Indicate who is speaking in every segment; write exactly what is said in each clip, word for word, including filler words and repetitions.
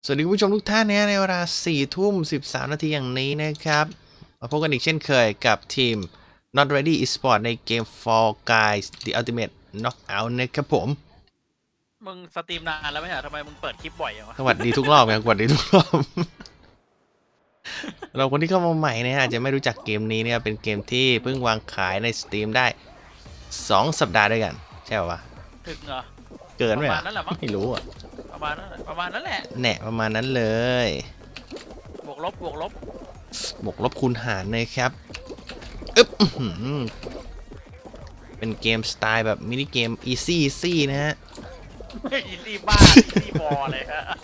Speaker 1: สวัสดีคุณผู้ชมทุกท่านนะในเวลาสี่ทุ่มสิบสามนาทีอย่างนี้นะครับมาพบกันอีกเช่นเคยกับทีม Not Ready Esports ในเกม Fall Guys The Ultimate Knockout นะครับผม
Speaker 2: มึงสตรีมนานแล้วไหมฮะทำไมมึงเปิดคลิปบ่อยอย่างวะ
Speaker 1: สวัสดีทุกรอบครับสวัสดีทุกรอบ เราคนที่เข้ามาใหม่เนี่ยอาจจะไม่รู้จักเกมนี้เนี่ยเป็นเกมที่เพิ่งวางขายใน Steam ได้สองสัปดาห์ด้วยกันใช่ป่าวะ
Speaker 2: ถึงเหรอ
Speaker 1: เกินไหม
Speaker 2: ประมา
Speaker 1: อ่ะ
Speaker 2: ณนั้นแหละมั้ง
Speaker 1: ไม่รู้อ่ะ
Speaker 2: ประมาณนั้นประมาณนั้นแหละ
Speaker 1: แหนะประมาณนั้นเลย
Speaker 2: บวกลบบวกลบบ
Speaker 1: วกลบคูณหารนะครับอึ๊บอื้อหือเป็นเกมสไตล์แบบมินิเกม easy easy นะฮะ
Speaker 2: อีซี่บ้าอีซี่บอลเลยฮะ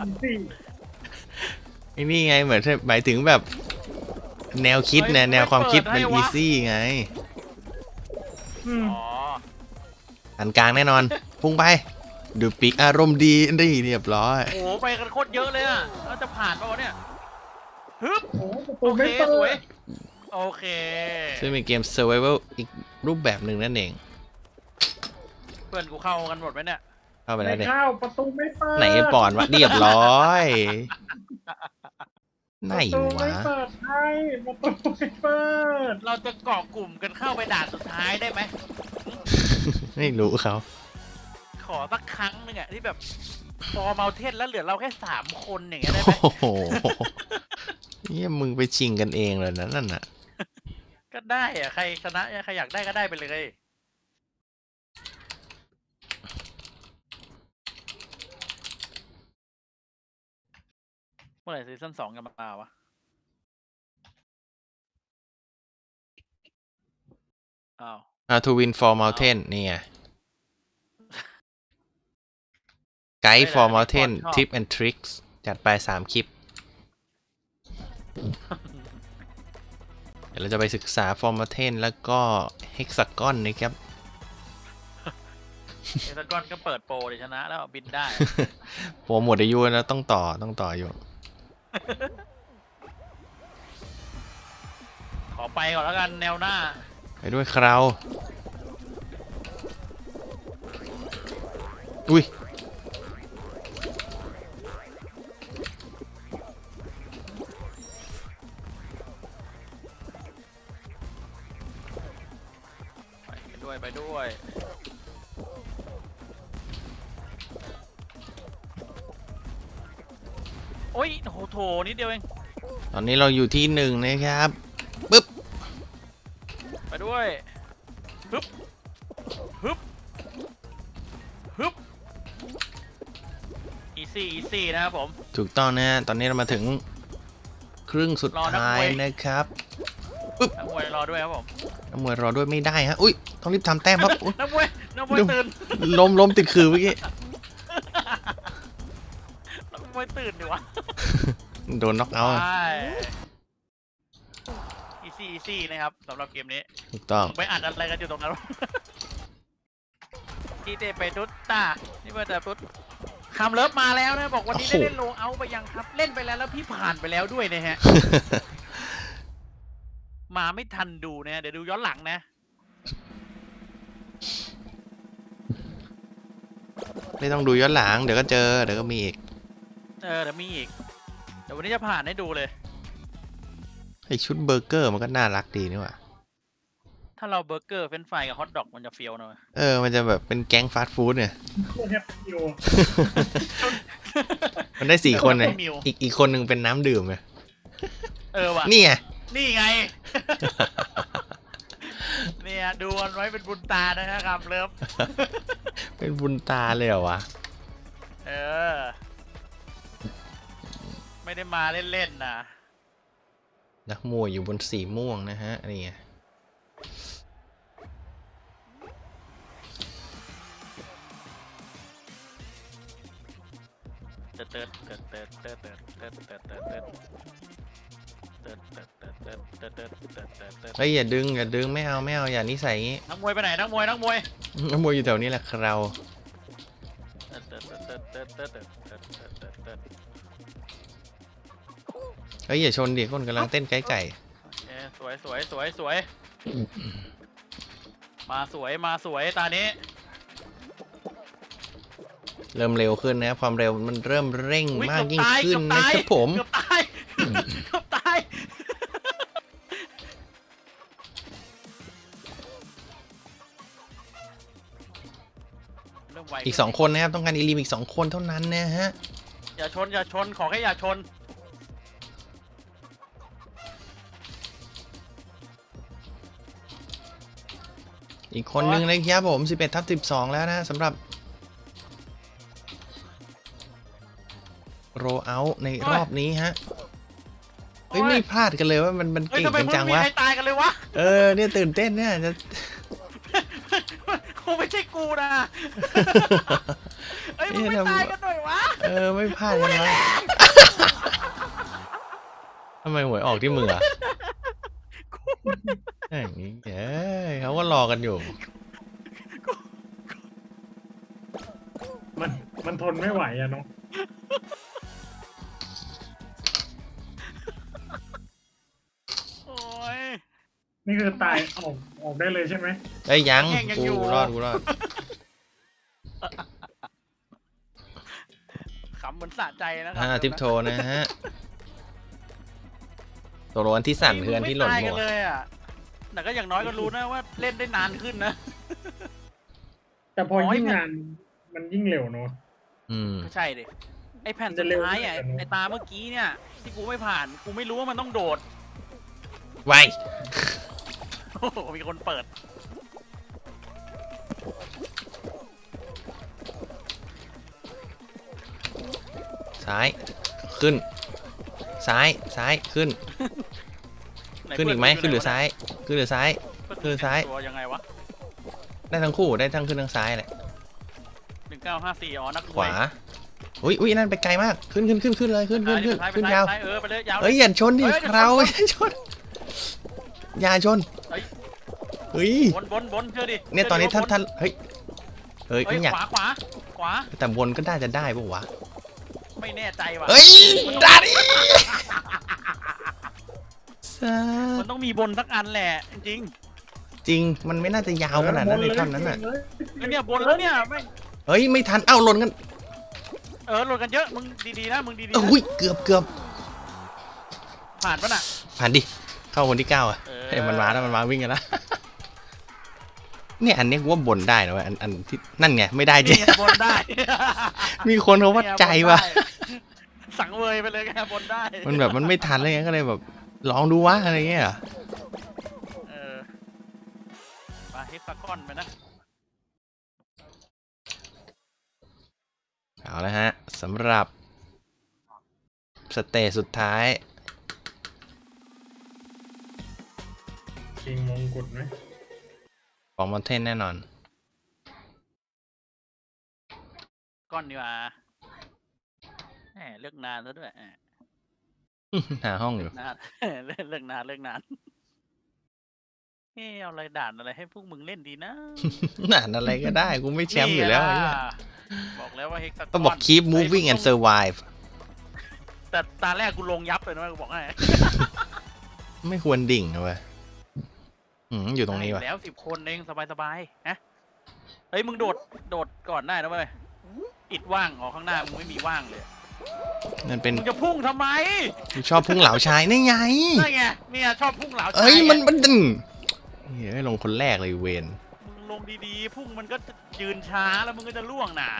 Speaker 1: ไอ้นี่ไงเหมือนหมายถึงแบบแนวคิดนะแนวความคิดมัน easy ไง
Speaker 2: อ๋อ
Speaker 1: อันกลางแน่นอน พุ่งไป ดูปีกอารมณ์ดีนี่เรียบร้อย
Speaker 2: โอ้โหไปกันโคตรเยอะเลยอ่ะเราจะผ่านป่าวะเนี่ยฮึบ
Speaker 3: โอ้
Speaker 2: โอ
Speaker 3: ไม่
Speaker 2: เค
Speaker 3: เปิ
Speaker 2: สวย
Speaker 3: ด
Speaker 2: โอเค
Speaker 1: ซึ่งเป็นเกม survival อีกรูปแบบหนึ่งนั่นเอง
Speaker 2: เพื่อนกูเข้ากันหมดไหมเนี่ย
Speaker 1: เข้าไป
Speaker 3: ไม่
Speaker 1: แล้วเนี่ย
Speaker 3: เข้าประตูไม่เปิด
Speaker 1: ไหนปอนวะเรียบร้อยไหน
Speaker 3: ประตูไม่
Speaker 1: วะ
Speaker 3: เปิดให้ประตูไม่เปิด
Speaker 2: เราจะเกาะกลุ่มกันเข้าไปด่านสุดท้ายได้ไหม
Speaker 1: ไม่รู้เขา
Speaker 2: ขอสักครั้งหนึ่งอะที่แบบพอเมาเทนแล้วเหลือเราแค่สามคนอย่างเงี้ยได้ไหม
Speaker 1: โอ้โหเนี่ยมึงไปชิงกันเองเลยนะนั่นน่ะ
Speaker 2: ก็ได้อะใครชนะใครอยากได้ก็ได้ไปเลย เมื่อไหร่ซีซั่นสองจะมาวะอ้าว
Speaker 1: How to win for mountain นี่ไง Guide for mountain tip and tricks จัดไปสามคลิป เดี๋ยวเราจะไปศึกษา for mountain แล้วก็ hexagon นะครับ
Speaker 2: เอตากอนก็เปิดโปรเลยชนะแล้วบินได้
Speaker 1: โปรหมดอายุแล้วต้องต่อต้องต่ออยู่
Speaker 2: ขอไปก่อนแล้วกันแนวหน้า
Speaker 1: ไปด้วยคราวอุ้ย
Speaker 2: ไปด้วยไปด้วยโอ้ยโหโถนิดเดียวเอง
Speaker 1: ตอนนี้เราอยู่ที่หนึ่งนะครับปึ๊บ
Speaker 2: ไปด้วยฮึบฮึบฮึบอีซี่อีซี่นะครับผม
Speaker 1: ถูกต้องนะฮะตอนนี้เรามาถึงครึ่งสุด
Speaker 2: รอนัก
Speaker 1: ท้าม ย
Speaker 2: วย
Speaker 1: นะครับ
Speaker 2: นักมวยรอด้วยครับผม
Speaker 1: นักมวยรอด้วยไม่ได้ฮะอุ้ยต้องรีบทำแต้มครับอุ๊ย
Speaker 2: นักมวยนักมวยตื่น
Speaker 1: ล้มล้มติดคือเมื่อกี้
Speaker 2: นักมวยตื่นดิวะ
Speaker 1: โดนน็อกเอาท์
Speaker 2: ใช่อีซี่อีซี่นะครับสำหรับเกมนี้
Speaker 1: ถูกต้อง
Speaker 2: ไปอัดอะไรกันอยู่ตรงนั้นวะ ที่เตไปทุตตานี่เพื่อนแต่ทุตคำเลิฟมาแล้วนะบอกวันนี้ได้เล่นโลเอาไปยังครับ เล่นไปแล้วแล้วพี่ผ่านไปแล้วด้วยนะฮะ มาไม่ทันดูนะเดี๋ยวดูย้อนหลังนะ
Speaker 1: ไม่ต้องดูย้อนหลังเดี๋ยวก็เจอเดี๋ยวก็มีอีก
Speaker 2: เออเดี๋ยวมีอีกเดี๋ยววันนี้จะผ่านให้ดูเลย
Speaker 1: ไอชุดเบอร์เกอร์มันก็น่ารักดีนี่หว่า
Speaker 2: ถ้าเราเบอร์เกอร์เฟรนช์ฟรายกับฮอทดอกมันจะเฟี้ยวหน่อย
Speaker 1: เออมันจะแบบเป็นแก๊งฟาสต์ฟู้ดเนี่ย
Speaker 3: โคตรแฮปปี้อยู่
Speaker 1: มันได้สี่คนเลย
Speaker 2: มิว
Speaker 1: อีกอีกคนหนึ่งเป็นน้ำดื่มเลย
Speaker 2: เออว่ะ
Speaker 1: นี่ไง
Speaker 2: นี่ไง เนี่ยดูมันไว้เป็นบุญตานะครับเลิฟ
Speaker 1: เป็นบุญตาเลยเหรอวะ
Speaker 2: เออ ไม่ได้มาเล่นๆนะ
Speaker 1: นักมวยอยู่บนสีม่วงนะฮะนี่ไง
Speaker 2: เติร์ดเติร์ดเติร์ดเติร์ดเติร์ดเติร์ดเติร์ดเติร์ดเติร์ดเติร์ดเติร์ดเติร์ดเติร์ดเติร์ดเติร์ดเติร์ดเติร์ดเติร์ดเติร์ด
Speaker 1: เฮ้ยอย่าดึงอย่าดึงไม่เอาไม่เอาอย่านิสัยงี้
Speaker 2: นักมวยไปไหนนักมวยนักมวย
Speaker 1: นักมวยอยู่แถวนี้แหละเรา
Speaker 2: เติร์ดเติร์ดเติร์ดเติร์ดเติร์ดเติร์ดเติร์ดเติร์ดเติร์ดเติร์ด
Speaker 1: เฮ้ยอย่าชนดิคนกำลังเต้นไก่ไก่
Speaker 2: เอ้สวยสวยสวยสวยมาสวยมาสวยตานี้
Speaker 1: เริ่มเร็วขึ้นนะครับความเร็วมันเริ่มเร่ง
Speaker 2: อุ๊ย
Speaker 1: มาก
Speaker 2: เกือบ
Speaker 1: ยิ่ง
Speaker 2: ตาย
Speaker 1: ขึ้น
Speaker 2: เกือบ
Speaker 1: นะ
Speaker 2: ตาย
Speaker 1: ครับผม
Speaker 2: เกือบตายเกือบตายเริ่มไว
Speaker 1: อีกสองคนนะครับต้องการอีลิมอีกสองคนเท่านั้นนะฮะ
Speaker 2: อย่าชนอย่าชนขอแค่อย่าชน
Speaker 1: อีกคนนึงนะครับผมสิบเอ็ดทับสิบสองแล้วนะสำหรับโรเอาในรอบนี้ฮะเฮ้ย
Speaker 2: โอ้ย
Speaker 1: ไม่พลาดกันเลยว่ามันมัน
Speaker 2: เฮ้ย
Speaker 1: เก่ง
Speaker 2: ทำไม
Speaker 1: กัน
Speaker 2: มึ
Speaker 1: จั
Speaker 2: ง
Speaker 1: ง
Speaker 2: มี
Speaker 1: วะ
Speaker 2: ใครตายกันเลยวะ
Speaker 1: เออเนี่ยตื่นเต้นเนี่ยจะ
Speaker 2: คงไม่ใช่กูนะเฮ้ยมึง
Speaker 1: เอ๊ะ
Speaker 2: ไม่
Speaker 1: ทำ
Speaker 2: ตายกันหน่อยวะ
Speaker 1: เออไม่พลาดกันวะทำไมหวยออกที่มืออ่ะอย่างนี้เอ้ยเขาก็รอกันอยู่
Speaker 3: มันมันทนไม่ไหวอะเนาะ
Speaker 2: โอ้ย
Speaker 3: นี่คือตายออกออกได้เลยใช่ไหม
Speaker 1: เอ้ยยัง
Speaker 2: แย่งยัง
Speaker 1: กู
Speaker 2: อยู่
Speaker 1: รอดกูรอด
Speaker 2: ขำเหมือนสะใจนะครั
Speaker 1: อ่าทิปโทนะฮะตัวร้อนที่สั่นคืออันที่หล่น
Speaker 2: ไม่
Speaker 1: หม
Speaker 2: ตายกั
Speaker 1: ด
Speaker 2: เลยอ่ะแต่ก็อย่างน้อยก็รู้นะว่าเล่นได้นานขึ้นนะ
Speaker 3: แต่พอ
Speaker 2: โอ้ย
Speaker 3: ยิ่งงานมันยิ่งเร็วเนาะ
Speaker 1: อืม
Speaker 2: ก็ใช่ดิไอแผ่น
Speaker 3: จะ
Speaker 2: สุด
Speaker 3: เร็ว
Speaker 2: ท้ายอ่ะ
Speaker 3: ขึ้นเหรอ
Speaker 2: ไอตาเมื่อกี้เนี่ย ที่กูไม่ผ่านกูไม่รู้ว่ามันต้องโดด
Speaker 1: ไว
Speaker 2: โอ้โหมีคนเปิด
Speaker 1: ซ้ายขึ้น ซ้ายซ้ายขึ้น
Speaker 2: ไห
Speaker 1: ขึ้นอีกไหม
Speaker 2: เพื่
Speaker 1: ขึ้นหรือ
Speaker 2: วะ
Speaker 1: ซ้ายขึ้นหรือซ้าย
Speaker 2: เพื่
Speaker 1: คือซ้าย
Speaker 2: ตัวยังไงวะ
Speaker 1: ได้ทั้งคู่ได้ทั้งขึ้นทั้งซ้ายแหละ
Speaker 2: หนึ่งเก้าห้าสี่อ๋อนักม
Speaker 1: ขวาอุ้ยอุ้ยนั่นไปไกลมากขึ้นขึ้นขึ้นขึ้นเลยขึ้นขึ้นขึ้น
Speaker 2: ซ้าย
Speaker 1: ขึ้น
Speaker 2: ไป
Speaker 1: ยาว
Speaker 2: ซ้ายเออไปเลยยาว
Speaker 1: เอ้ยอย่าชนดิ
Speaker 2: เอ้ยอย่าชน
Speaker 1: เราอย่าชนอย่าชน
Speaker 2: เอ้ย
Speaker 1: เฮ้ย
Speaker 2: บนบนบนเชื่อดิ
Speaker 1: เนี่ยตอนนี้ท่าน
Speaker 2: เชื่
Speaker 1: ท่านเฮ้ยเฮ้ย
Speaker 2: เฮ้ย
Speaker 1: ไม่อยาก
Speaker 2: ขวาขวาขวา
Speaker 1: แต่บนก็น่าจะได้ปะวะ
Speaker 2: ไม่แน่ใจว่ะ
Speaker 1: เฮ้ยได้ดิซา
Speaker 2: มันต้องมีบนสักอันแหละจริง
Speaker 1: จริงมันไม่น่าจะยาวขนาดนั้นในท่อนนั้นอ่ะ
Speaker 3: เลย
Speaker 2: ๆแล้วเนี่ยบนแล้วเนี่ยไม่
Speaker 1: เฮ้ยไม่ทันเอ้าหล่นกัน
Speaker 2: เออโหลดกันเยอะมึงดีๆนะมึงดีๆนะ
Speaker 1: อุ้ยเกือบเกือบ
Speaker 2: ผ่านปะน่ะ
Speaker 1: ผ่านดิเข้าคนที่เก้าอ่ะ
Speaker 2: เออ
Speaker 1: เฮ้ยมันมาแล้วมันมาวิ่งกันแล้ว เนี่ยอันเนี้ยกูว่าบนได้นะเว้ยอันอันที่นั่นไงไม่ได้จริง
Speaker 2: เนี่ยบนได้
Speaker 1: มีคนเขาวัดใจว่ะ
Speaker 2: เนี่ยบนได้สังเวยไปเลยแกบนได้
Speaker 1: มันแบบมันไม่ทันเลยไงก็เลยแบบลองดูวะอะไรเงี้ยเหรอ
Speaker 2: เออมาเฮกซากอนไปนะ
Speaker 1: เอาละฮะสำหรับสเตจสุดท้าย
Speaker 3: ชิงมงกุฎไหม
Speaker 1: ของมอนเทนแน่นอน
Speaker 2: ก้อนดีกว่าแหมเลือกนานซะด้วยแหม
Speaker 1: หาห้องอยู่
Speaker 2: นาน เล่นเลือกนานเลือกนานเฮ้เอาอะไรด่านอะไรให้พวกมึงเล่นดีนะ
Speaker 1: หนานอะไรก็ได้กูไม่แชมป์อยู่แล้วไอ้
Speaker 2: นี่
Speaker 1: เหี้ย
Speaker 2: ล่ะบอกแล้วว่าเฮกซากอน
Speaker 1: ต้องบอก keep moving and survive
Speaker 2: แต่ตาแรกกูลงยับเลยนะกูบอกให้
Speaker 1: ไม่ควรดิ่งนะเว้ยอืมอยู่ตรงนี้วะ
Speaker 2: ได้แล้วสิบคนเองสบายๆฮะเฮ้ยมึงโดดโดดก่อนได้นะเว้ยอิดว่างออกข้างหน้ามึงไม่มีว่างเลย
Speaker 1: นั่นเป็น
Speaker 2: มึงจะพุ่งทำไม
Speaker 1: กูชอบพุ่งเหลาชายนี่ไง
Speaker 2: นั่นไงเนี่ยชอบพุ่งเหลาชาย
Speaker 1: เอ้ยมัน
Speaker 2: ไง
Speaker 1: มันดึงเฮ้ยลงคนแรกเลยเวน
Speaker 2: มึงลงดีๆพุ่งมันก็จะยืนช้าแล้วมึงก็จะล่วงน่ะ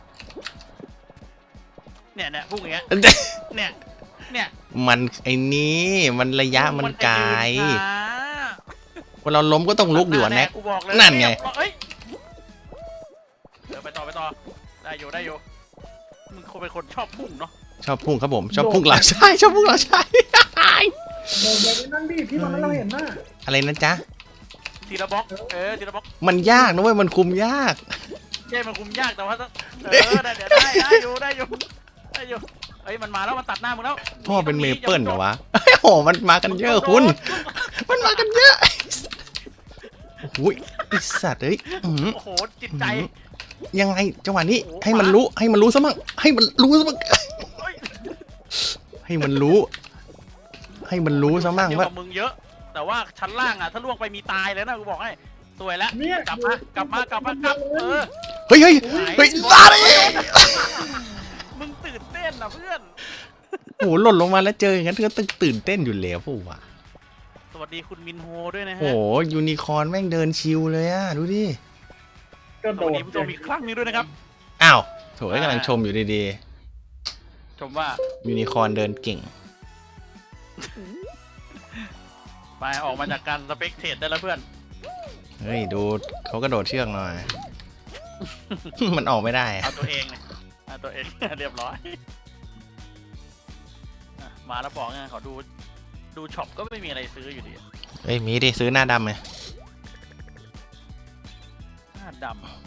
Speaker 2: เนี่ยเนี่ยพุ่งอย่างเงี้ยเนี่ยเนี่ย
Speaker 1: มันไอ้นี้มันระยะมันไกล
Speaker 2: จะยืนช้า
Speaker 1: เวลาล้มก็ต้องลุกอยู่อะแน็ก
Speaker 2: กูบอกเลย
Speaker 1: นั่นไง
Speaker 2: เอ้ยเดี๋ยวไปต่อไปต่อได้อยู่ได้อยู่มึงคงเป็นคนชอบพุ่งเนาะ
Speaker 1: ชอบพุ่งครับผมชอบพุ่งเหลาชายชอบพุ่งเหลาชาย
Speaker 3: โดนไปนั่งดิที่ตอนนั้นเราเห็นน่ะ
Speaker 1: อะไรนะจ๊ะ
Speaker 2: ทีละบล็อกเออทีละบล็อก
Speaker 1: มันยากนะเว้ยมันคุมยาก
Speaker 2: ใช่มันคุมยากแต่ว่าถ้าเออได้เดี๋ยวได้ได้อยู่ได้อยู่ได้อยู่เอ้ยมันมาแล้วมันตัดหน้ามึงแล้ว
Speaker 1: พ่อเป็นเมเปิลเหรอวะโอ้โหมันมากันเยอะคุณ มันมากันเยอะโอ้ยไอสัตว์เอ้ยอื้อหือ
Speaker 2: โอ้โหจิตใจ
Speaker 1: ยังไงจังหวะนี้
Speaker 2: โอ้โห
Speaker 1: ให้มันรู้ให้มันรู้ซะมั่งให้มันรู้ซะมั่ง
Speaker 2: เฮ้ย
Speaker 1: ให้มันรู้ ให้มันรู้ซะมั่ง
Speaker 2: เยอะ
Speaker 1: ว่าก
Speaker 2: ว่ามึงเยอะ แต่ว่าชั้นล่างอ่ะถ้าล่วงไปมีตายเลยนะกูบอกให้สวยแล้ว
Speaker 3: เนี่ย
Speaker 2: กลับมากลับมากลับมากลับเออ
Speaker 1: เฮ้ยเฮ้ยเฮ้ยลาดิ
Speaker 2: มึงตื่นเต้นนะเพื่อน
Speaker 1: โอ้โหหล่นลงมาแล้วเจออย่างนั้นก็ต้องตื่นเต้นอยู่แล้วพวกว่ะ
Speaker 2: สวัสดีคุณมินโฮด้วยนะ
Speaker 1: โอ้
Speaker 2: ฮะ
Speaker 1: โหยูนิคอร์นแม่งเดินชิวเลยอะดูดิ
Speaker 3: ก็
Speaker 2: ส
Speaker 3: โด
Speaker 2: วัส
Speaker 3: ด
Speaker 2: ดีผู้ชมอีกครั้งหนึงด้วยนะครับ
Speaker 1: อ้าวโถยกำลังชมอยู่ดี
Speaker 2: ชมว่า
Speaker 1: ๆยูนิคอร์นเดินเก่ง
Speaker 2: ไปออกมาจากการสเปกเทดได้แล้วเพื่อน
Speaker 1: เฮ้ยดูเขากระโดดเชือกหน่อย มันออกไม่ได้อะ
Speaker 2: เอาตัวเองเนี่ยเอาตัวเอง เรียบร้อยอ่ะมาแล้วบอกไงขอดูดูช็อปก็ไม่มีอะไรซื้ออยู่ดี
Speaker 1: เฮ้ยมีดิซื้อหน้าดำไง
Speaker 2: หน้าดำ